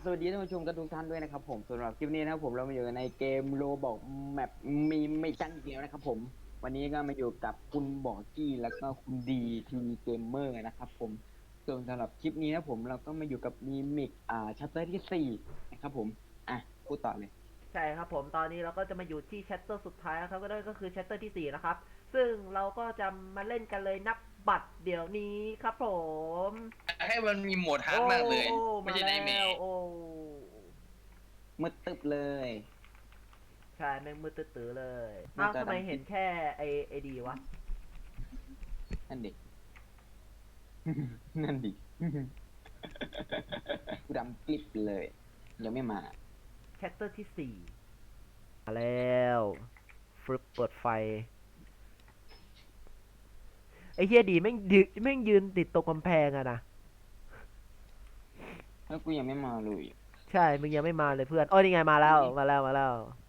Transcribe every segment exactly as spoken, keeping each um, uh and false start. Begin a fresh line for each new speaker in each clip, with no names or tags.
วัสดีท่านผู้ชมทุกท่านด้วยนะครับผมสำหรับคลิปนี้นะครับผมเรามาอยู่ในเกมโรบอกแมปมีไม่จันอีกแล้วนะครับผมวันนี้ก็มาอยู่กับคุณบอกกี้แล้วก็คุณดีทีเกมเมอร์นะครับผมส่วนสำหรับคลิปนี้นะผมเราก็มาอยู่กับมีมิกอ่าชัปเตอร์ที่สี่นะครับผมอ่ะพูดต่อเลย
ใช่ครับผมตอนนี้เราก็จะมาอยู่ที่แชตเตอร์สุดท้ายครับก็ได้ก็คือแชตเตอร์ที่สี่นะครับซึ่งเราก็จะมาเล่นกันเลยนับบัตรเดี๋ยวนี้ครับผม
ให้มันมีโหมดฮาร์ด
โอ้
มากเลย
โอ้
ไม่
มา
ใช่ไนท์แม
แล้ว
ร์
โอ้
มืดตึบเลย
ใช่แม่งมืดตื้อๆเลย
น่า
อ้าว
จะ
ทำไม
ดำ
เห็นแค่ไอไอดีวะ
นั่นดิ นั่นดิ กูดำกลิบเลยยังไม่มา
แชตเตอร์ที่สี่มาแล้วฟึบเปิดไฟไอเฮียดีแม่งยืนแม่งยืนติดตรงกำแพงอะนะ
แล้วกูยังไม่มาเลย
ใช่มึงยังไม่มาเลยเพื่อนโอ้ยนี่ไงมาแล้วมาแล้วมาแล้ว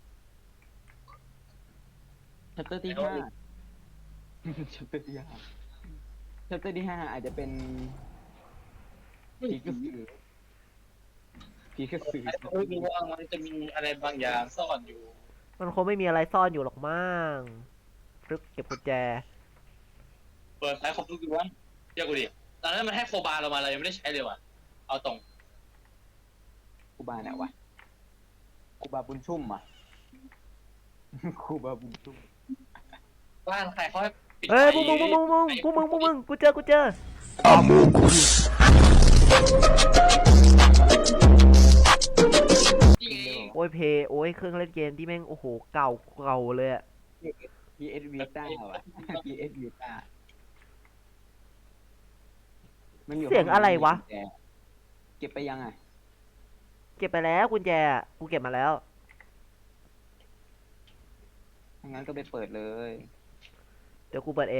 ชัปเตอร์ที่ห้า ชัปเตอร์ที่ห้าชัปเตอร์ที่ห้าอาจจะเป็นผีกระสือผีกระสือ
รู้ดูว่ามันจะมีอะไรบางอย่างซ่อนอยู่
มันคงไม่มีอะไรซ่อนอยู่หรอกมั้งฟึบเก็บกุญแจ
เปิดไฟครบทุกดวงเชื่อกูดิตอนนั้นมันให้โคบาเรามาเรายังไม่ได้ใช้เลยว่ะ เอาตรง
ครูบาเนี่ยวะครูบาบุญชุ่มอ่ะ ครูบาบุญชุ่ม
บ้านใครเขาให้ปิดไฟ
เฮ้ยพวกมึงพวกมึงพวกมึงพวกมึงพวกมึงกูเจอกูเจอ
นี่ไง
โอ้ยเพย์โอ้ยเครื่องเล่นเกมที่แม่งโอ้โหเก่าเก่าเลยอะ
พี เอส Vita ว่ะ พี เอส Vita มันอยู่
เสียงอะไรวะ
เก็บไปยังไง
เก็บไปแล้วกุญแจอะกูเก็บมาแล้ว
ถ้างั้นก็ไปเปิดเลย
เดี๋ยวกูเปิดเอง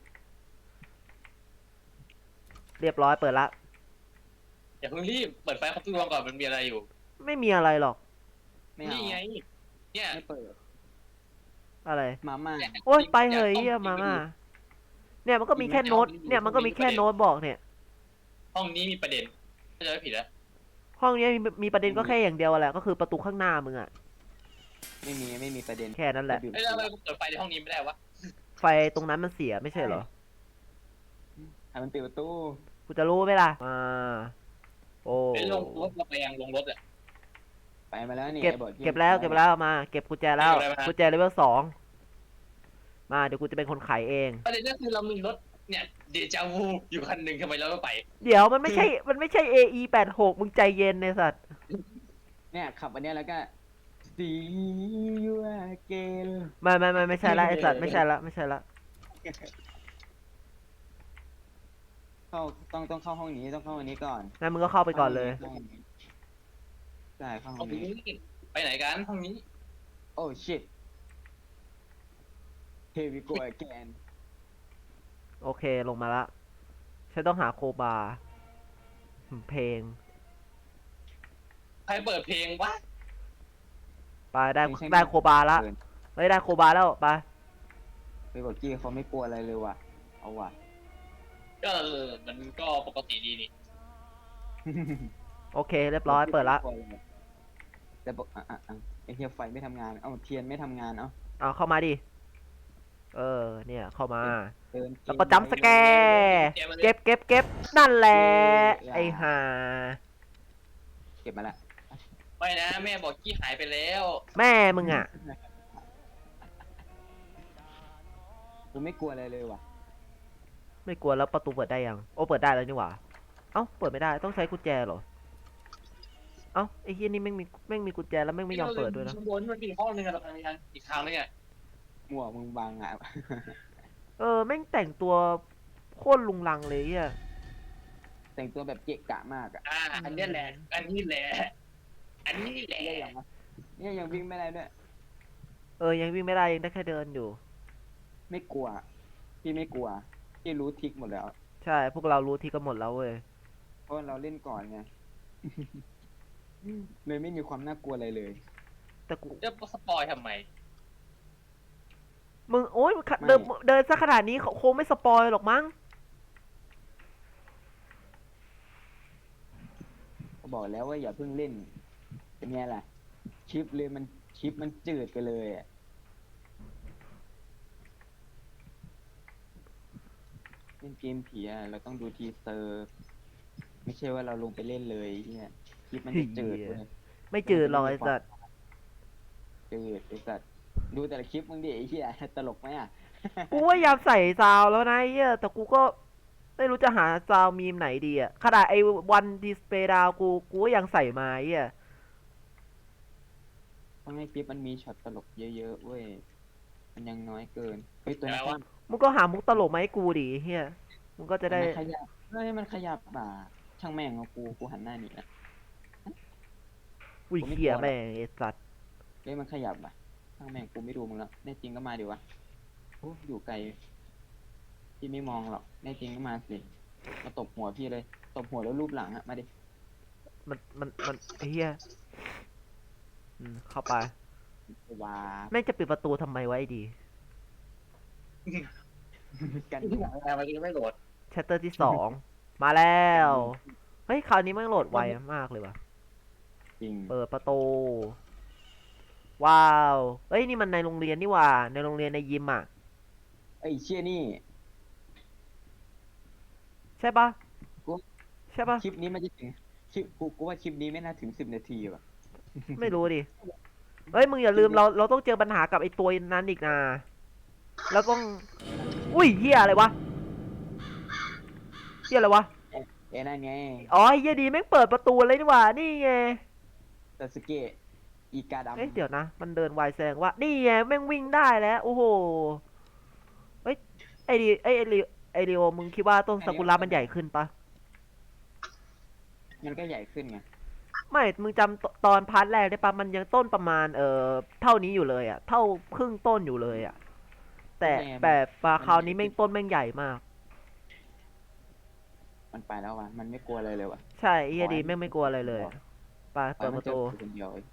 เรียบร้อยเปิดละ
อย่าเพิ่งรีบ เปิดไฟครบทุกดวงก่อนมันมีอะไรอยู่
ไม่มีอะไรหรอก
ไม่เอา
นี่ไง เนี่ย
ไม่เปิด
อะไร
มาม่า
โอ้ยไปเหยเหี้ยมาม่าเนี่ยมันก็มีแค่โน้ตเนี่ยมันก็มีแค่โน้ตบอกเนี่ย
ห้องนี้มีประเด็นถ้าจะไม่ผิดนะ
ห้องนี้มีมีประเด็นก็แค่อย่างเดียวแหละก็คือประตูข้างหน้ามึงอะ
ไม่มีไม่มีประเด็น
แค่นั้นแหละ
เอ้ยแล้วทำไมกูเปิดไฟในห้องนี้ไม่ได้วะ
ไฟตรงนั้นมันเสียไม่ใช่เหรอ
ให้มันปิดประตู
กูจะรู้ไหมล่ะอ่าโอ้
เป็นลงรถเราไปยังลงรถอ่ะ
ไปมาแล้วนี่
เก็บ
ไอ้อที่
เก็บแล้วเก็บแล้วมาเก็บกุญแจแล้ว
เก็บอะไรมา
กุญแจเลเวลสองมาเดี๋ยวกูจะเป็นคนไขเอง
ประเด็นก็คือเรามีรถเนี่ยเดจาวูอยู่คันหนึ่งทำไมเราไม่ไป
เดี๋ยวมันไม่ใช่ มันไม่ใช่ เอ อี แปดหกมึงใจเย็นในสัตว์
เนี่ยขับอันเนี้ยแล้วก็ see you again
ไม่ไม่ไม่ไม่ใช่ละไอสัตว์ไม่ใช่ละไม่ใช่ละ
เข้าต้องต้องเข้าห้องนี้ต้องเข้าห้องนี้ก่อน
งั้นมึงก็เข้าไปก่อนเลย
ข้าห้งนี้ใช่เข้าห้
ห้
อ
อง
งนี้
นี้ไปไหนกันห้องนี้
โอ้ shit here we go again
โอเคลงมาละฉันต้องหาโคบาหืมเพลง
ใครเปิดเพลงวะ
ไปได้
ไม่ใช่
ได้โคบาละ
เกิน
เฮ้ยได้โคบาแล้วไป
ไปบอกกี้เขาไม่กลัวอะไรเลยว่ะเอาว่ะ
ก็เออมันก็ปกติดีนี่
โอเคเรียบร้อยเปิดละ
แต่บอกอ่ะอ่ะอ่ะไอเทียไฟไม่ทำงาน เอาเทียนไม่ทำงาน เอา
เอาเข้ามาดิเออเนี่ยเข้ามา
เดิน
แล้วก็จัมป์สแกร์เก็บเก็บเก็บนั่นแหละไอ้ห่า
เก็บมาละ
ไม่นะแม่บอกกี้หายไปแล้ว
แม่มึงอ่ะ
กูไม่กลัวอะไรเลยว่ะ
ไม่กลัวแล้วประตูเปิดได้ยัง โอ้เปิดได้แล้วนี่หว่าเอ้าเปิดไม่ได้ต้องใช้กุญแจเหรอเอ้าไอ้เฮียนี่แม่งมีแม่งมีกุญแจแล้วแม่งไม่ยอมเปิดด้วยนะ
ข้างบนมันมีห้องนึงอะเราไปทางอีกทางนึงอะ
หมวกมึงบางอ่ะ
เออแม่งแต่งตัวโคตรลุงลังเลยเฮีย
แต่งตัวแบบเกะกะมากอ่ะ
อ่าอันนี้แหละ อันนี้แหละ อันนี้แหละ
เนี่ยยังวะเนี่ยยังวิ่งไม่ได้ด้วย
เออยังวิ่งไม่ได้ยังได้แค่เดินอยู่
ไม่กลัว พี่ไม่กลัว พี่รู้ทริกหมดแล้ว
ใช่พวกเรารู้ที่กันหมดแล้วเว้ย
เพราะว่าเราเล่นก่อนไง เลยไม่มีความน่ากลัวอะไรเลย
แต่กู
จะสปอยทำไม
มึงโอ๊ยเดินเดินซะขนาดนี้เขาคงไม่สปอยหรอกมั้ง
บอกแล้วว่าอย่าเพิ่งเล่นเป็นไงล่ะคลิปเลยมันคลิปมันจืดไปเลยอ่ะเล่นเกมผีอ่ะเราต้องดูทีเซอร์ ไม่ใช่ว่าเราลงไปเล่นเลยเนี่ยคลิปมันจะจืดเว้ย
ไม่จืดหรอกไอ้สัตว์
จืดไอ้สัตว์ดูแต่ละคลิปมึงดิไอ้เหี้ยตลกไหมอ่ะ
กูพยายามใส่ซาวแล้วนะไอ้เหี้ยแต่กูก็ไม่รู้จะหาซาวมีมไหนดีอะขนาดไอ้วันดิสเพย์ดาวกูกูก็ยังใส่มาไอ้เหี้ย
ต้องให้คลิปมันมีช็อตตลกเยอะๆเว้ยมันยังน้อยเกินเฮ้ยตัวนี้
แปลว่า
มึงก็หามุกตลกมาให้กูดิไอ้เหี้ยมึงก็จะได้
มันขยับเฮ้ยมันขยับบ่าช่างแม่งเอากูกูหันหน้าหนีละ
อุ้ยเหี้ยแม่งไอ้สัตว์
เฮ้ยมันขยับบ่ะช่างแม่งกูไม่ดูมึงแล้วแน่จริงก็มาดิวะโอ้อยู่ไกลพี่ไม่มองหรอกแน่จริงก็มาสิมาตบหัวพี่เลยตบหัวแล้วรูปหลังอะมาดิ
มันมันมันไอ้เหี้ยอืมเข้าไป
ว้า
แม่งจะปิดประตูทำไมวะไอ้ดี
กัน
ที่หลังแอร์มันยังไม่โหลด
แชตเตอร์ที่สอง มาแล้วเฮ้ยคราวนี้แม่งโหลดไวมากเลยว่ะ
จริง
เปิดประตู ว้าวเฮ้ยนี่มันในโรงเรียนนี่หว่า ในโรงเรียนในยิมอ่ะ
ไอ้เชี่ยนี่
ใช่ปะ
กู
ใช่ปะ
คลิปนี้มันจะถึงคลิปกูกูว่าคลิปนี้ไม่น่าถึงสิบนาทีว่ะ
ไม่รู้ดิเฮ้ยมึงอย่าลืมเราเราต้องเจอปัญหากับไอ้ตัวนั้นอีกนะแล้วต้องอุ้ยเฮียอะไรวะเฮียอะไรวะ
เอ้นั่นไง
อ๋อไอ้เฮียดีแม่งเปิดประตูเลยนี่หว่านี่ไง
ซาสึเกะอีกาดำ
เอ้ยเดี๋ยวนะมันเดินไวแสดงว่านี่ไงแม่งวิ่งได้แล้วโอ้โหเฮ้ยไอดีไอไอริไอริโอมึงคิดว่าต้นซากุระมันใหญ่ขึ้นปะ
มันก็ใหญ่ขึ้นไง
ไม่มึงจำตตอนพาร์ทแรกได้ปะมันยังต้นประมาณเอ่อเท่านี้อยู่เลยอ่ะเท่าครึ่งต้นอยู่เลยอ่ะแต่แต่ปลาคราวนี้แม่งต้นแม่งใหญ่มาก
มันไปแล้วว่ะมันไม่กลัวอะไรเลยว่ะ
ใช่ไอ้เฮียดีแม่งไม่กลัวอะไรเลยไป
ปล่
เปิ
อยมัน
ดประตู
เจอคนเดียวเอง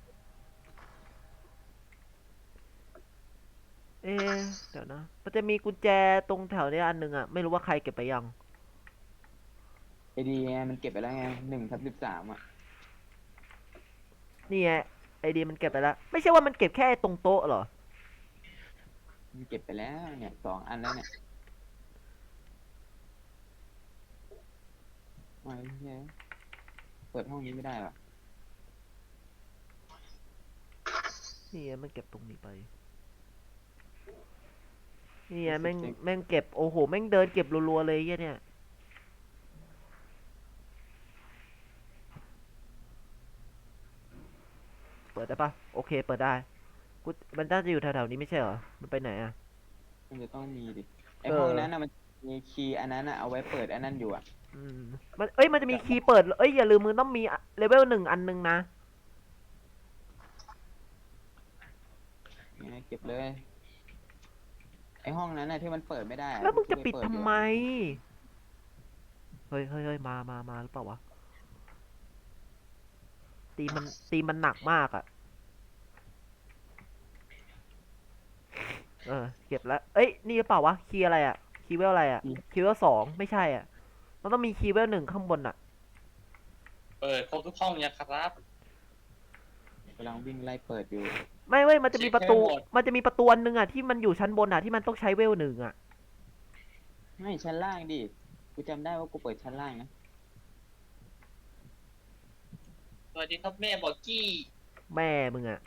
เอ๊ะเดี๋ยวนะมันจะมีกุญแจตรงแถวเนี้ยอันหนึงอ่ะไม่รู้ว่าใครเก็บไปยัง
ไอดีไงมันเก็บไปแล้วไงหนึ่งทับสิบสามอ่ะ
นี่ไงไอดีมันเก็บไปแล้ว ไม่ใช่ว่ามันเก็บแค่ตรงโต๊ะเหรอ
มันเก็บไปแล้วเนี่ยสองอันแล้วเนี่ยไอ้เหี้ยเปิดห้องนี้ไม่ได้หรอ
นี่ไงมันเก็บตรงนี้ไปนี่ไงแม่งแม่งเก็บโอ้โหแม่งเดินเก็บรัวๆเลยไอ้เหี้ยเนี่ยเปิดได้ปะโอเคเปิดได้กูมันน่าจะอยู่แถวๆนี้ไม่ใช่เหรอมันไปไหนอ่ะ
มันจะต้องมีดิไอ
เออ
ห้องนั้นน่ะมันมีคีย์อันนั้นน่ะเอาไว้เปิดอันนั้นอยู่อ่ะ
อืมมันเอ้ยมันจะมีคีย์เปิดเอ้ยอย่าลืมมึงต้องมีเลเวลหนึ่งอันหนึงนะ
เนี่ยเก็บเลย ไอห้องนั้นน่ะที่มันเปิดไม่ได้อ
แล้วมึงจะ
กู
ปิด
เย
ทำ
อยู่
ไมเฮ้ยเฮ้ยเฮ้ยมามามาหรือเปล่าวะตีมันตีมันหนักมากอ่ะเออเก็บแล้วเอ้ยนี่หรือเปล่าวะคีย์อะไรอ่ะคีย์เวลอะไรอ่ะคีย์เวลสองไม่ใช่อ่ะมันต้องมีคีย์เวลหนึ่งข้างบนอ่ะ
เปิดครบทุกห้องยังครับ
กำลังวิ่งไล่เปิดอยู่
ไม่เว้ยมันจะมีประตู
เช็คให้หมด
มันจะมีประตูอันหนึงอ่ะที่มันอยู่ชั้นบนอ่ะที่มันต้องใช้เวลหนึ่งอ่ะ
ไม่ชั้นล่างดิกูจำได้ว่ากูเปิดชั้นล่างนะ
สวัสดีครับแม่บอกกี้
แม่มึงอ่ะ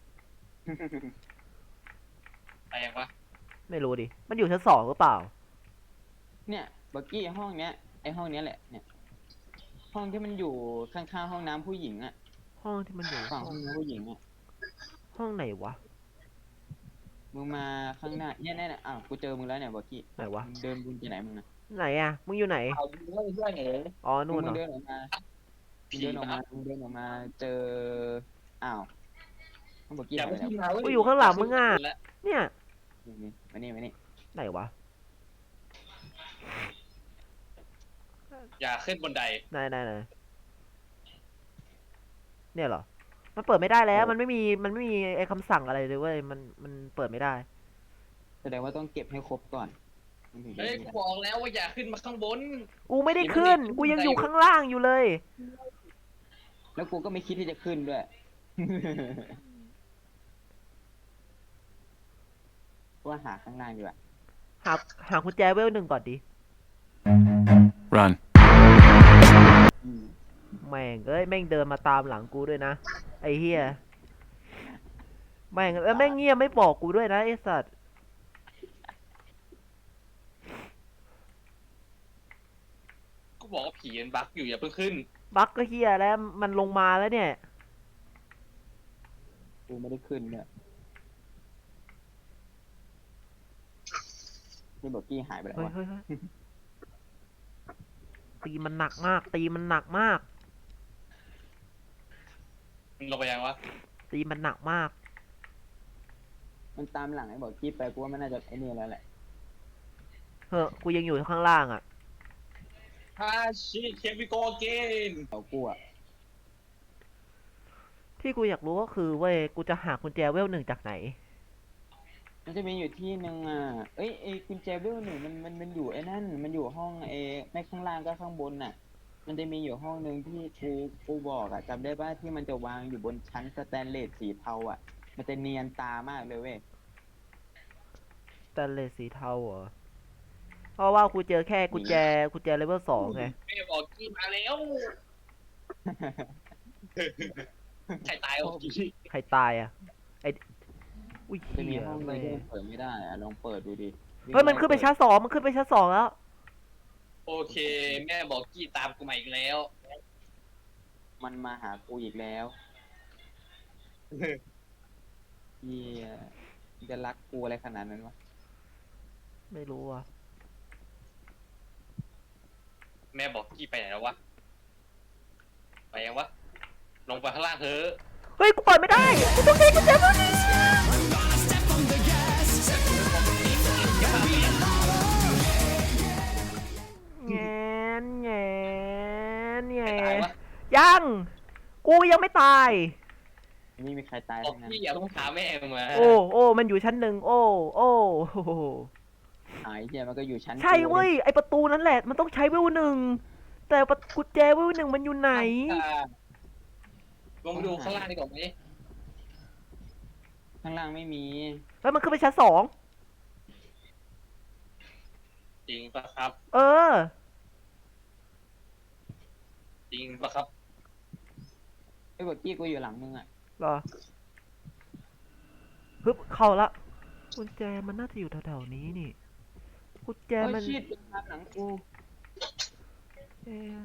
ไปยังวะ
ไม่รู้ดิมันอยู่ชั้นสองหรือเปล่า
เนี่ยบักกี้ห้องเนี้ยไอห้องเนี้ยแหละเนี่ยห้องที่มันอยู่ข้างๆห้องน้ำผู้หญิงอ่ะ
ห้องที่มันอยู่
ฝั่งห้องน้ำผู้หญิงอ่ะ
ห้องไหนวะ
มึงมาข้างหน้าเนี่ยเนี่ยเนี่ยอ้าวกูเจอมึงแล้วเนี่ยบักกี้
ไหนวะ
มึงเดินบุญไปไหนมึงนะ
ไหนอ่ะมึงอยู่ไหน
เอาดูว่าเพื่อนเหรอ
อ๋อนู่นเหร
มึ
อง
เดินออกมามึงเดินออกมามึงเดินออกมาเจออ้าวห้องบักกี้
อย่า
หาย
ไป
ไปไหน
ที่มาเว้
กูอยู่ข้างหลังมึงอ่ะ เนี่ย
นี่มานี่มานี่
ไหนวะ
อย่าขึ้นบนได
ไหนไหนไหนเนี่ยเหรอ มันเปิดไม่ได้แล้ว มันไม่มี มันไม่มีไอ้คำสั่งอะไรเลยเว้ย มัน มันเปิดไม่ได้
แสดงว่าต้องเก็บให้ครบก่อนมันถึงจะ
เฮ้ย
มี
กูบอกแล้วว่าอย่าขึ้นมาข้างบน
กูไม่ได้ขึ้น กูยังอยู่ข้างล่างอยู่เลย
แล้วกูก็ไม่คิดที่จะขึ้นด้วย ว่าหาข้างล่างดีกว่า
หาหากุญแจเวลหนึ่งก่อนดิ
Run.
อืม
แม่งเอ้ยแม่งเดินมาตามหลังกูด้วยนะไอ้เฮียแม่งแล้วแม่งเงียบไม่บอกกูด้วยนะไอ้สัตว์
กูบอกว่าผีมันบั๊กอยู่อย่าเพิ่งขึ้น
บั๊กก็เฮียแล้วมันลงมาแล้วเนี่ย
กูไม่ได้ขึ้นเนี่ยนี่บอกกี้หายไปแล้ว
เฮ้ยว
ะ
เฮ้ยเฮ้ยตีมันหนักมาก ตีมันหนักมาก
มันลงไปยังวะ
ตีมันหนักมาก
มันตามหลังไอ้บอกกี้ไปกูว่ามันน่าจะไอ้นี่แล้วแหละ
เฮ้อกูยังอยู่ข้างล่างอ่ะ
ฮาชิเคมิโกเกน
เอากูอะ
ที่กูอยากรู้ก็คือเว้ยกูจะหากุญแจเวลหนึ่งจากไหน
มันจะมีอยู่ที่หนึ่งอ่ะเอ้ยไอ้กุญแจเบลหนึ่งมันมันมันอยู่ไอ้นั่น มันอยู่ห้องไอ้ไม่ข้างล่างก็ข้างบนน่ะ มันจะมีอยู่ห้องหนึ่งที่กูกูบอกอ่ะจำได้ป่ะที่มันจะวางอยู่บนชั้นสแตนเลสสีเทาอ่ะ มันจะเนียนตามากเลยเว้ย
สแตนเลสสีเทาเหรอ เพราะว่ากูเจอแค่กุญแจกุญแจเลเวลสองไง
แม่บอกกี้มาแล้วใครตายบอกกี้
ใครตายอ่ะ ไออุ้ย
จะ
เฮี
มี
ย
ห้องหนึ
แม่
งที่มันเปิดไม่ได้อ่ะลองเปิดดูดิ
เฮ้ยมันขึ้นไปชั้นสองมันขึ้นไปชั้นสองแล้ว
โอเค แม่บอกกี้ตามกูมาอีกแล้ว
มันมาหากูอีกแล้วเฮียมันจะรักกูอะไรขนาดนั้นวะ
ไม่รู้อ่ะ
แม่บอกกี้ไปไหนแล้ววะไปยังวะลงไปข้างล่างเถอะ
เฮ้ยกูเปิดไม่ได้กูต้องใช้กุญแจเวลหนึ่งแงนแงนแง
ใครตายวะ
ยัง กูยังไม่ตาย
ไม่มีใครตาย
บอก
ทั้งนั้น
กี้อย่าต้องถามแม่มึงมา
โอ้โอ้มันอยู่ชั้นหนึ่งโอ้โอ้โอ้โห
หายเฮียมันก็อยู่ชั้น
ใช่
กู
เว้ยไอประตูนั่นแหละ มันต้องใช้เวลหนึ่งแต่ประกุญแจเวลหนึ่งมันอยู่ไหน
ลงไปดูข้างล่างดีกว่าไหม
ข้างล่างไม่มี
แล้วมันขึ้นไปชั้นสอง
จริงปะครับ
เออ
จริงปะครับ
ไอ้บอกกี้กูอยู่หลังมึงอ่ะ
เหรอฮึบเข้าละกุญแจมันน่าจะอยู่แถวๆนี้นี่กุญแจ
โอ้ย
มัน
ชิดตามหลังกู
เอ๊ะ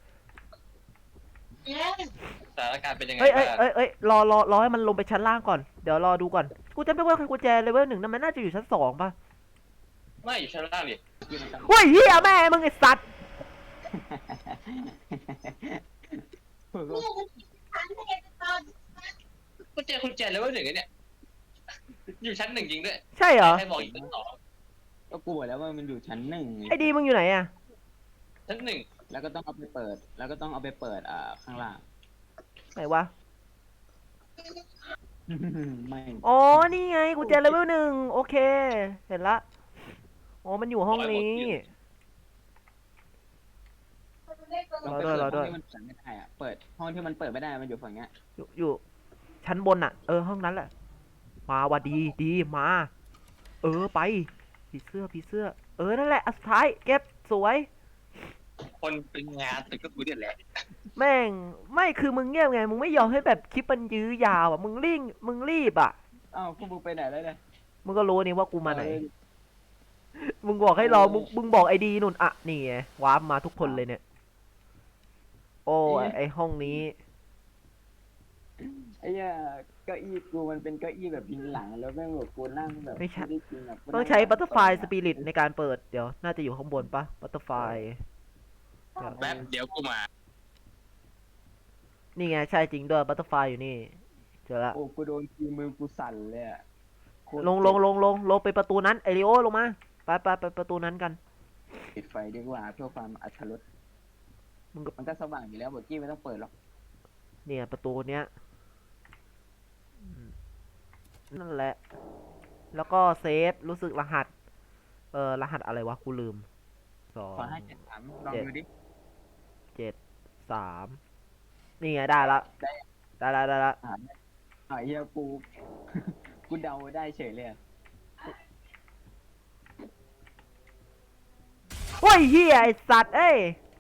สถานการณ์เป็นยังไง
เอ้ยเอ้ย
บ้าง
เอ้ยเอ้ยรอรอรอให้มันลงไปชั้นล่างก่อนเดี๋ยวรอดูก่อนกูจำไม่ว่ากุญแจเลเวลหนึ่งนั่นมันน่าจะอยู่ชั้นสองป่ะ
ไม่อยู่ชั้นล่างดิ
กี้มันตาม
เฮ้ยเฮียแม่มึงไอสัตว์
กุญแจกุญแจเลเวลหนึ่งไอ้เนี่ยอยู่ชั้นหนึ่งจริงด้วย
ใช่เหรอ
ใครบอกอยู่ชั้นสอง
ก็กูบอกแล้วว่ามันอยู่ชั้นหนึ่งไง
ไอดีมึงอยู่ไหนอะ
ชั้นหนึ่ง
แล้วก็ต้องเอาไปเปิด แล้วก็ต้องเอาไปเปิดอ่าข้างล่าง
ไหนวะ
ไม่
อ๋อนี่ไงกุญแจเลเวลหนึ่งโอเค เห็นละอ๋อมันอยู่ห้องนี้
เราไปเปิดห้องที่มันเปิดไม่ได้อ่ะ เปิดห้องที่มันเปิดไม่ได้มันอยู่ฝั่งเนี้ย
อยู่อยู่ชั้นบนอะเออห้องนั้นแหละ มาว่ะดีดีมา เออไปผีเสื้อผีเสื้อ เออนั่นแหละอันสุดท้ายเก็บสวย
คนเป็นงานตึกก็กูเนี่ยแหละ
แม่งไม่คือมึงเงียบไง มึงไม่ยอมให้แบบคลิปมันยื้อยาวอ่ะ มึงรีบมึงรีบอ่ะ
อ้าวพวกมึงไปไหนแล้วเนี่ย
มึงก็รู้นี่ว่ากูมาไหน
เออ
มึงบอกให้รอมึงมึงบอกไอดีนุ่นอ่ะนี่ไงวาร์ปมาทุกคนเลยเนี่ย โอ้ยไอห้องนี้
ไอ้เหี้ยเก้าอี้กูมันเป็นเก้าอี้แบบพิงหลังแล้วแม่งแบบกูนั่งแบบ
ไม่ใช่
ด้จริงอะกู
ต้อง
นั่
ใช้บัตเตอร์ไฟ
แบบ
สปิริตในการเปิด เดี๋ยว น่าจะอยู่ข้างบนปะบัตเตอร์ไฟ
แป๊บเดี๋ยวกูมา
นี่ไงใช่จริงด้วยบัตเตอร์ไฟอยู่นี่ เจอละ
โอ้กูโดนทีมือกูสั่นเลยอะโคตร
ลงลงลงลงลงไปประตูนั้นไอริโอลงมา ไปไปไปประตูนั้นกัน
ปิดไฟดีกว่าเพื่อความอัธรส
มึงก็
มันก็สว่างอยู่แล้วบอกกี้ไม่ต้องเปิดหรอก
เนี่ยประตูเนี้ยอืมนั่นแหละ แล้วก็เซฟรู้สึกรหัส เออรหัสอะไรวะกูลืมสอง
ขอให้เจ็ดสามลองดูดิ
เจ็ดสามนี่ไงได้ละได้ละได้ละ
อ่าอ่าเฮียกู กูเดาได้เฉยเลยอะ
โอ้ยเฮียไอสัตว์เอ้ย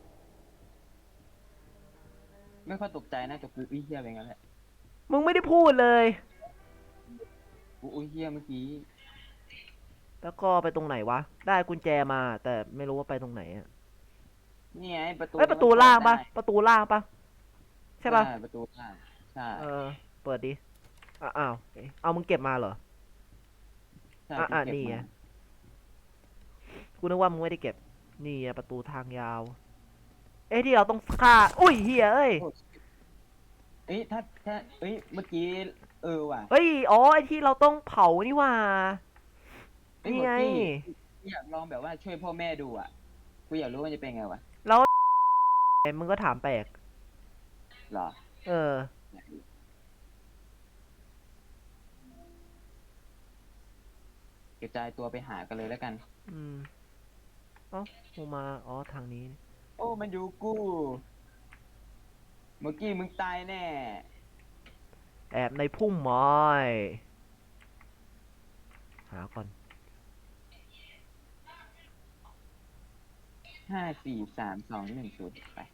ไม่ค่อยตกใจนะแต่กูอุ้ยเฮียเป็นงั้นแหละ
มึงไม่ได้พูดเลย
กูอุ้ยเฮียเมื่อกี้
แล้วก็ไปตรงไหนวะ ได้กุญแจมา แต่ไม่รู้ว่าไปตรงไหนอะ
นี่ไงประตู
เอ้ยประตูล่างปะประตูล่างปะใช่ปะ
ประตูล่างใช่
เออ เปิดดิอ่ะอ้าวเอ๊ะเอามึงเก็บมาเหรอ
ใช่
อ่ะอ่ะ
ที่เก็บ
นี่ไง
มา
กูนึกว่ามึงไม่ได้เก็บ นี่ไงประตูทางยาว เอ้ยที่เราต้องฆ่า อุ้ยเฮียเอ้ย
เอ้ยถ้าถ้าเอ้ยเมื่อกี้เออว่ะ
เฮ้ย อ๋อ ไอที่เราต้องเผานี่หว่า
เอ้ย
นี่
เมื่
ไง
อกี้อยากลองแบบว่าช่วยพ่อแม่ดูอ่ะกูอยากรู้ว่าจะเป็นไงวะ
มึงก็ถามแปลก
เหรอ
เออ
กระจายตัวไปหากันเลยแล้วกัน
อืมเอ้ากูมา อ๋อ ทางนี้
โอ้ มันอยู่กู เมื่อกี้มึงตายแน่
แอบในพุ่มไม้ หาก่อน
ห้า สี่ สาม สอง หนึ่ง ศูนย์ไป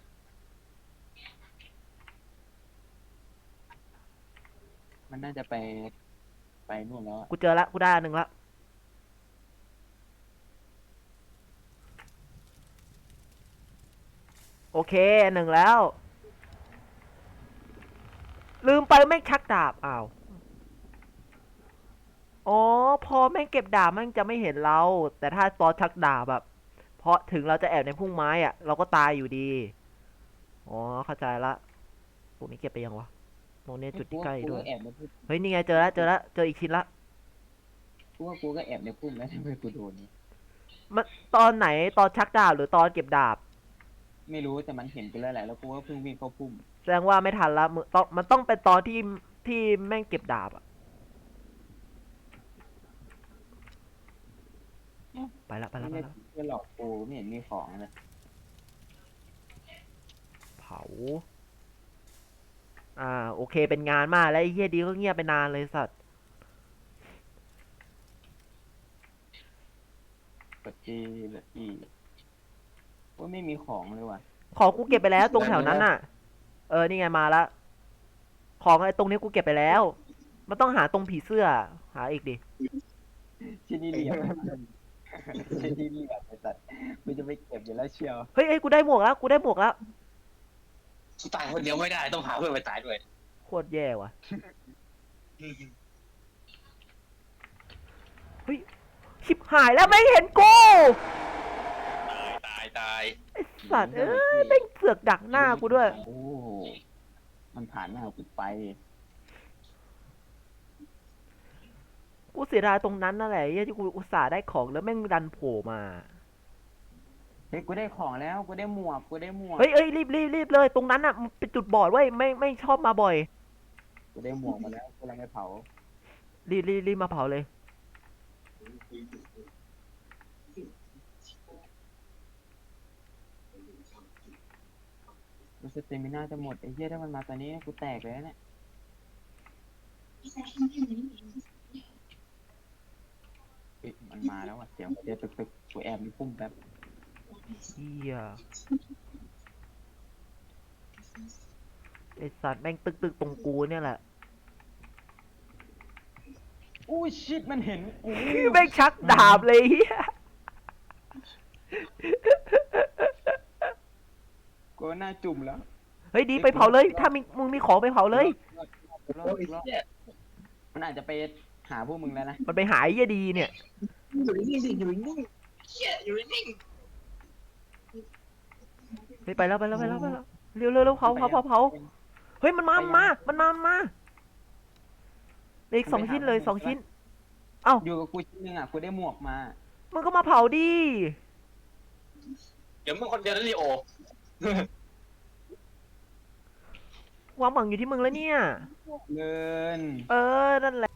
มันน่าจะไป ไปนู่นแล้วอะ
กูเจอละ กูได้อันหนึ่งละ โอเคอันหนึ่งแล้ว ลืมไปแม่งชักดาบ อ้าว อ๋อ พอแม่งเก็บดาบแม่งจะไม่เห็นเรา แต่ถ้าตอนชักดาบแบบเพราะถึงเราจะแอบในพุ่มไม้อะเราก็ตายอยู่ดี อ๋อ เข้าใจละพวกนี้เก็บไปยังวะ ตรงนี้จุดที่ใกล้ด้วย
กูก็แอบในพุ่ม
เฮ้ย นี่ไงเจอแล้วเจอแล้วเจออีกชิ้นละ
กูว่ากูก็แอบในพุ่มแล้วทำไมกูโดน
มันตอนไหนตอนชักดาบหรือตอนเก็บดาบ
ไม่รู้แต่มันเห็นกูแล้วแหละแล้วกูก็เพิ่งวิ่งเข้าพุ่ม
แสดงว่าไม่ทันละมึงต้องมันต้องเป็นตอนที่ที่แม่งเก็บดาบอะไปละไปละไป
ไม่
ละ
ได้หลอกกูไม่เห็นมีของเลย
เผา อ่า โอเคเป็นงานมากแล้วไอ้เฮียดีก็เงียบไปนานเลยสัตว์
กดจีเหลืออีว่าไม่มีของเลยว่ะ
ของกูเก็บไปแล้วตรงแถวนั้นน่ะ เออ นี่ไงมาละ ของไอ้ตรงนี้กูเก็บไปแล้ว มันต้องหาตรงผีเสื้อ หาอีกดิ
ที่นี่เหลี่ยม ที่นี่เหลี่ยมไอ้สัตว์กูจะไปเก็บอยู่แล้วเชียว
เฮ้ยเอ้ยกูได้หมวกแล้ว กูได้หมวกแล้ว
กูตายคนเดียวไม่ได้ต้องหาเพื่อนไปตายด้วย
โคตรแย่ว่ะ เฮ้ย ชิบหายแล้วไม่เห็นกู
ตายตาย
ไอ้สัตว์เอ้ยแม่งเสือกดักหน้ากูด้วย
โอ้มันผ่านหน้ากูไป
กูเสียดายตรงนั้นนั่นแหละไอ้ที่กูอุตส่าห์ได้ของแล้วแม่งดันโผล่มา
เฮ้ยกูได้ของแล้วกูได้หมวกกูได้หมวก
เฮ้ยเอ้ยรีบรีบรีบเลยตรงนั้นอ่ะมันเป็นจุดบอดเว้ยไม่ไม่ชอบมาบ่อย
กูได้หมวกมาแล้วกูกำลังไปเผา
รีบรีบรีบมาเผาเลย
กูสเตมิน่าจะหมดไอ้เหี้ยถ้ามันมาตอนนี้กูแตกเลยนะเนี่ยเฮ้ยมันมาแล้วอ่ะเสียงเดี๋ยวตึกตึกกูแอบในพุ่มแป๊บ
เฮียไอสัตว์แม่งตึกตึกตรงกูเนี่ยแหละ
อู้ชิตมันเห็นกู
แม่งชักดาบเลยเฮีย
กูหน้าจุ่มแล้ว
เฮ้ยดีไปเผาเลย ถ้ามีมึงมีของไปเผาเลย
รอบรอบมันอาจจะไปหาพวกมึงแล้วนะ
มันไปหายเฮียดีเนี่ย
อยู่นิ่งๆสิอยู่นิ่งๆเหี้ยอยู่นิ่ง
เฮ้ยไปแล้วไปแล้วไปแล้วไปแล้วเร็วเร็วเร็วเผาเผาเผาเผาเฮ้ยมันมามันมามันมามันมาเหลืออีกสองชิ้นเลยสองชิ้น เอ้า
อยู่กับกูชิ้นหนึงอ่ะกูได้หมวกมา
มันก็มาเผาดิ
ๆเดี๋ยวมึงคนเดียวนั่นลีโอ
ความหวังอยู่ที่มึงแล้วเนี่ย
เงิน
เออ นั่นแหละ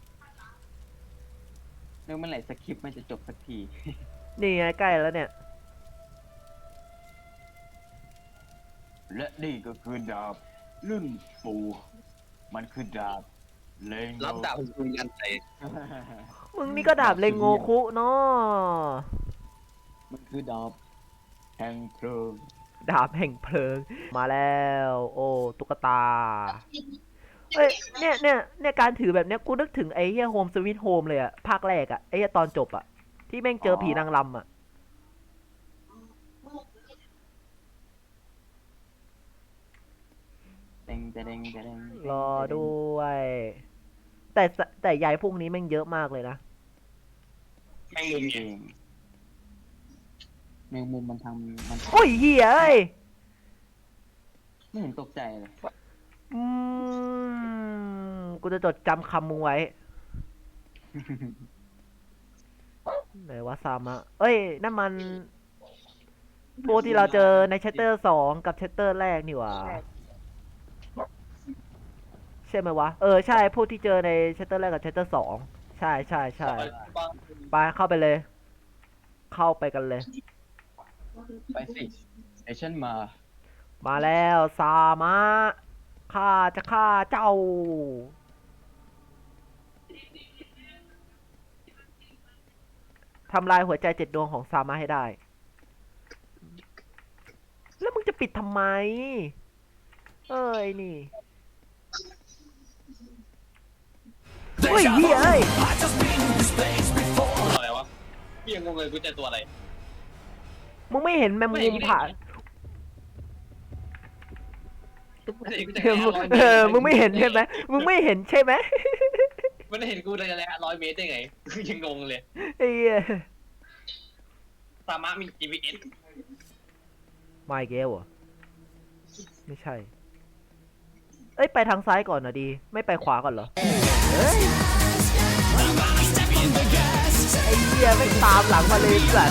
เรื่องเมื่อไหร่สคริปต์มันจะจบสักที
นี่ไงใกล้แล้วเนี่ย
และนี่ก็คือดาบรุ่นปู่มันคือดาบเลง
รับดาบของคุณกันใจ
มึงนี่ก็ดาบเลงโงคุเนาะ
มันคือดาบแห่งเพลิง
ดาบแห่งเพลิงมาแล้ว โอ้ตุ๊กตาเอ้ยเนี่ยเนี่ยเนี่ยการถือแบบเนี้ยกูนึกถึงไอ้เหี้ยโฮมสวิตโฮมเลยอะภาคแรกอะไอ้เหี้ยตอนจบอะที่แม่งเจอผีนางรำอะ
เด้งจะเด้งจะเด้ง
รอด้วย แต่สแต่ยายพวกนี้แม่งเยอะมากเลยนะ
แม่งมุม
เอ
ไง
งแมงมุมมันทำมัน
โอ้ยเหี้ยเอ้ย
ไม่เห็นตกใจเลย
อืมกูจะจดจำคำมึงไว้ ไหนวะซามะเอ้ยนั่นมันพวกที่เราเจอในชัตเตอร์สองกับชัตเตอร์แรกนี่หว่าใช่ไหมวะ เออใช่พวกที่เจอในชัตเตอร์แรกกับชัตเตอร์สองใช่ใช่ใช่ไปเข้าไปเลย เข้าไปกันเลย
ไปสิไอฉันมา
มาแล้วซามะข้าจะฆ่าเจ้า ทำลายหัวใจเจ็ดดวงของซามะให้ได้ แล้วมึงจะปิดทำไม เอ้ยนี่เฮ้ยเฮ้ยเอ้ย
อะไรวะพี่ยังงงเลยกูเจอตัวอะไร
มึงไม่เห็นแมงมุมผ่าน
ไม่ได้กู
เอ
จะ
อ
แค่
มึง
ร้อยเม
เอ
ตร
อมึงไม่เห็นใช่ไหมมึงไม่เห็นใช่ไหม
มันเห็นกูเลยแหละร้อยเมตรได้ไงกูยังงงเลย
ไอ้เหี้ย
สามารถมี จี พี เอส
ไม่เกลเหรอไม่ใช่ เอ้ยไปทางซ้ายก่อนนะดี ไม่ไปขวาก่อนเหรอเอ้ยไอ้เหี้ยไม่งตามหลังมาเลยสัตว์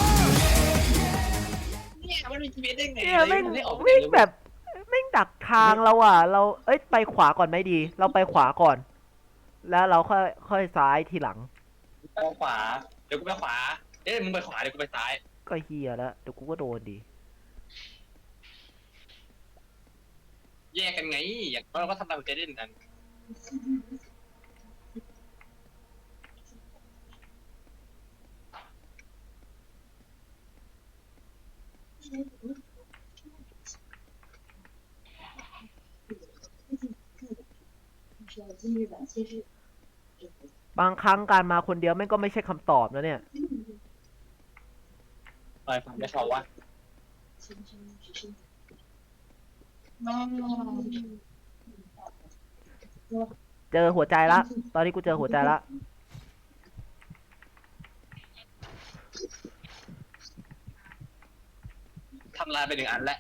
เนี่ยมันมี จี พี เอส ได้ไง
เนี่ยแม่ง
ไม่ออก
แม่งแบบแม่งดักทางเราอ่ะ เราเอ้ยไปขวาก่อนไหมดี เราไปขวาก่อน แล้วเราค่อยค่อยซ้ายทีหลัง
ไปขวาเดี๋ยวกูไปขวาเอ้ยมึงไปขวาเดี๋ยวกูไปซ้าย
ก็เฮียแล้วเดี๋ยวกูก็โดนดี
แยกกันไงอย่างน้อยเราก็ทำตามใจเด่นกัน
บางครั้งการมาคนเดียวแม่งก็ไม่ใช่คำตอบนะเนี่ย
ไปฟังได้เขาว่า
เจอหัวใจละ ตอนนี้กูเจอหัวใจละ
ทำลายไปหนึ่งอันแล้ว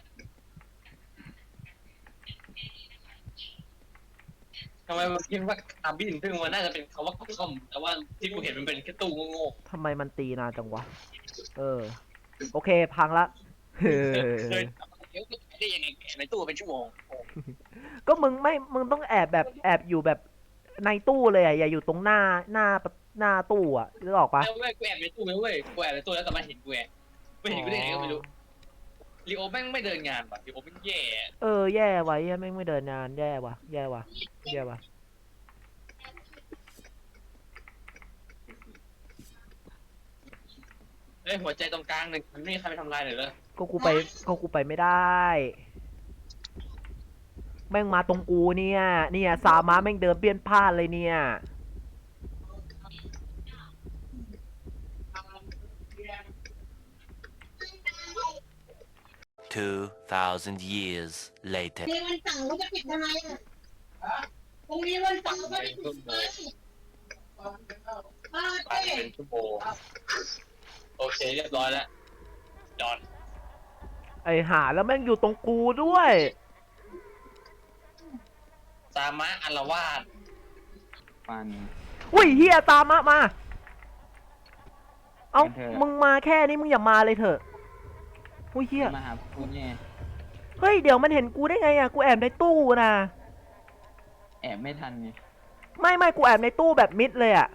ทำไมมันคิดว่าอาบินซึ่งมันน่าจะเป็นคำว่าคอมแต่ว่าที่กูเห็นมันเป็นแค่ตู้โง่
ทำไมมันตีนานจังวะ เออ โอเค พังละ เอ
ๆ
อ
เคยเดี๋ยวได้ยังไงแกะในตู้เป็นชั่วโมง
ก็มึงไม่ มึงต้องแอบแบบแอบอยู่แบบในตู้เลยอ่ะ อย่าอยู่ตรงหน้าหน้าหน้าตู้อ่ะนึกออกปะ
ไม่เว้ยกูแอบในตู้เว้ยกูแอบในตู้แล้วแต่มันเห็นกูแอบไม่เห็นกูได้ไงก็ไม่รู้ลีโอแม่งไม่เดินงานว่ะลีโอแม่งแย่
เออ แย่ว่ะแย่แม่งไม่เดินนาน แย่ว่ะ แย่ว่ะ แย่ว่ะ
เอ้ยหัวใจตรงกลางหนึ่งมันไม่มีใครไปทำลายเลยเหรอ
ก็กูไปก็กูไปไม่ได้ แม่งมาตรงกูเนี่ย เนี่ยสามารถแม่งเดินเปี้ยนพลาดเลยเนี่ย
Two thousand years later.
นี่วันเสาร์จะปิดทำไมอ่ะพรุ่งนี้วันเสาร์ก็ไม่ปิดเลยป้า
ไป
เต้
เป็นชั่วโมงโอเคเรียบร้อยแล้วจอด
ไอหาแล้วแม่งอยู่ตรงกูด้วย
สามารถอารวาส
ฟัน
อุ้ยเฮียตามมามา เอา
งั้นเถอะ
มึงมาแค่นี้มึงอย่ามาเลยเถอะอุ้ยเฮีย
มาหาคุณเนี่ย
เฮ้ย เดี๋ยวมันเห็นกูได้ไงอ่ะ กูแอบในตู้นะ
แอบไม่ทันไง
ไม่ไม่กูแอบในตู้แบบมิดเลยอ่ะ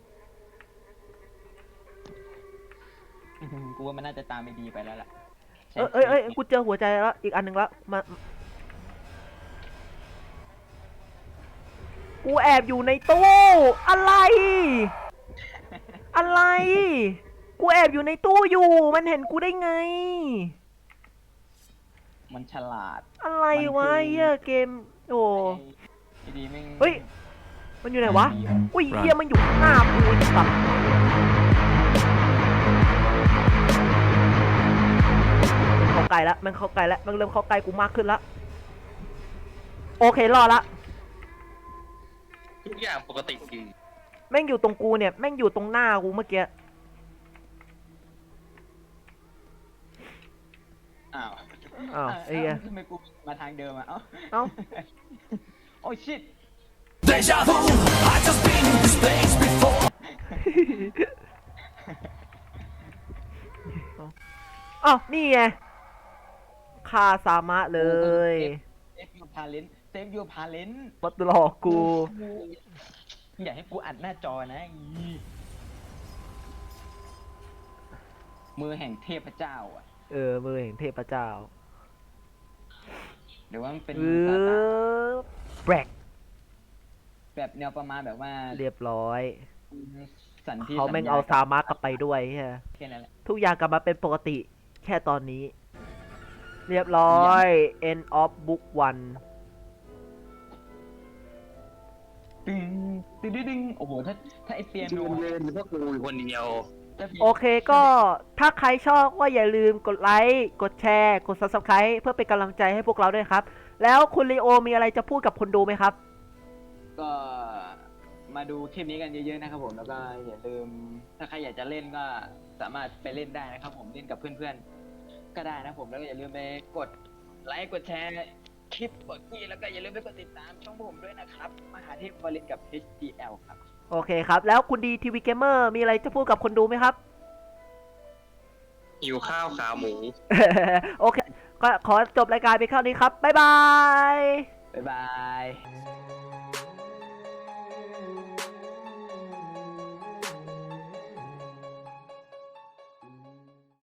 กูว่ามันน่าจะตามไม่ดีไปแล้วล่ะ ใช้
เอ้ยเอ้ยเอ้ยกูเจอหัวใจแล้วอีกอันหนึ่งแล้วมากูแอบอยู่ในตู้อะไร อะไร กูแอบอยู่ในตู้อยู่ มันเห็นกูได้ไง
มันฉลาด
อะไร
มันคือ
วะเหี้ยเกม โอ้
ไอ้ดีแม่ง
เฮ้ย มันอยู่ไหนวะ
ดีว่ะ
อุ้ยเหี้ยมันอยู่ข้างหน้ากูไอ้สัสเข้าใกล้แล้วมันเข้าใกล้แล้วมันเริ่มเข้าใกล้กูมากขึ้นแล้วโอเครอดละ
ทุกอย่างปกติดี
แม่งอยู่ตรงกูเนี่ยแม่งอยู่ตรงหน้ากูเมื่อกี้
อ้าว
อ้าวไอ้เหี้ย
ทำไมกูมาทางเดิมอ่ะ เอ้า
เอ้า
โอ้ชิต
อ้าวนี่ไงฆ่าสามะเลย
เซฟยูพาเลนเซฟยูพาเลน
มาหลอกกู
อยากให้กูอัดหน้าจอนะอีมือแห่งเทพเจ้าอ่ะ
เออมือแห่งเทพเจ้า
หรือว่ามันเป็น
เอ
มือซาตาน
อแบรก
แบบแนวประมาณแบบว่า
เรียบร้อย
สันที่
เขาแม่งเอาซามะกลับไปด้วยใช่ไหม
แค่นั้นแหละ
ทุกอย่างกลับมาเป็นปกติแค่ตอนนี้ เรียบร้อย end of book one
ดึงดึงดึงดึงโอ้โหถ้าถ้าไอเปียโน
ดูเล่นพวกกูอยู่คนเดียว
ถ้าพี่
โอเคก็ถ้าใครชอบก็อย่าลืมกดไลค์กดแชร์กด ซับสไครบ์ เพื่อเป็นกำลังใจให้พวกเราด้วยครับ แล้วคุณลีโอมีอะไรจะพูดกับคนดูไหมครับ
ก็มาดูคลิปนี้กันเยอะๆนะครับผมแล้วก็อย่าลืมถ้าใครอยากจะเล่นก็สามารถไปเล่นได้นะครับผมเล่นกับเพื่อนๆก็ได้นะผมแล้วก็อย่าลืมไปกดไลค์กดแชร์คลิปกดกี้แล้วก็อย่าลืมไปกดติดตามช่องผมด้วยนะครับมหาเทพวลินกับ เอช ดี แอล ครับ
โอเคครับ แล้วคุณดีทีวีเกมเมอร์มีอะไรจะพูดกับคนดูไหมครับ
หิวข้าวขาหมู
โอเค ก็ขอจบรายการไปแค่นี้ครับ บ๊ายบาย
บ๊ายบาย